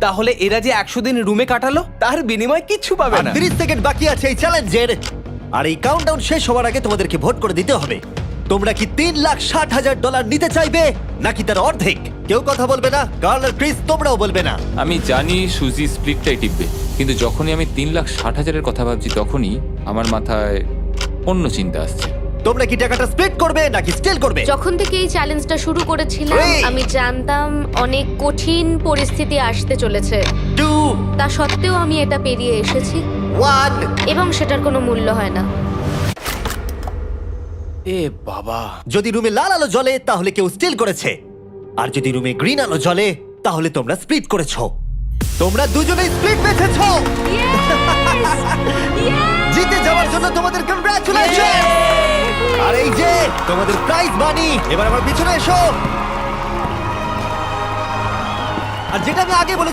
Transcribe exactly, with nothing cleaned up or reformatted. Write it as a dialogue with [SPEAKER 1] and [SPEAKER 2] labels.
[SPEAKER 1] তাহলে এরা যে একশো দিন রুমে কাটালো তার বিনিময়ে কিচ্ছু পাবে না।
[SPEAKER 2] তিরিশ সেকেন্ড বাকি আছে এই চ্যালেঞ্জের, আর এই কাউন্টডাউন শেষ হওয়ার আগে তোমাদেরকে ভোট করে দিতে হবে। তোমরা কি তিন লাখ ষাট হাজার ডলার নিতে চাইবে নাকি তার অর্ধেক? কেউ কথা বলবে না। কার্ল আর ক্রিস তোমরাও বলবে না।
[SPEAKER 3] আমি জানি সুজি স্প্লিটটাই টিপবে, কিন্তু যখনই আমি তিন লাখ ষাট হাজারের কথা ভাবছি তখনই আমার মাথায় অন্য চিন্তা আসছে।
[SPEAKER 2] তোমরা কি টাকাটা স্প্লিট করবে নাকি স্টিল করবে?
[SPEAKER 4] যখন থেকে এই চ্যালেঞ্জটা শুরু করেছিলাম
[SPEAKER 2] Three.
[SPEAKER 4] আমি জানতাম অনেক কঠিন পরিস্থিতি আসতে চলেছে,
[SPEAKER 2] টু
[SPEAKER 4] তা সত্ত্বেও আমি এটা পেরিয়ে এসেছি
[SPEAKER 2] ওয়ান
[SPEAKER 4] এবং সেটার কোনো মূল্য হয় না।
[SPEAKER 1] এ বাবা,
[SPEAKER 2] যদি রুমে লাল আলো জ্বলে তাহলে কেউ স্টিল করেছে, আর যদি রুমে গ্রিন আলো জ্বলে তাহলে তোমরা স্প্লিট করেছো। তোমরা দুজনেই স্প্লিট বেঁচেছো। জিতে যাওয়ার জন্য তোমাদের কংগ্রাচুলেশন। আর এই যে তোমাদের প্রাইজ মানি, এবার আমার পিছনে এসো। আর যেটা আমি আগে বলেছি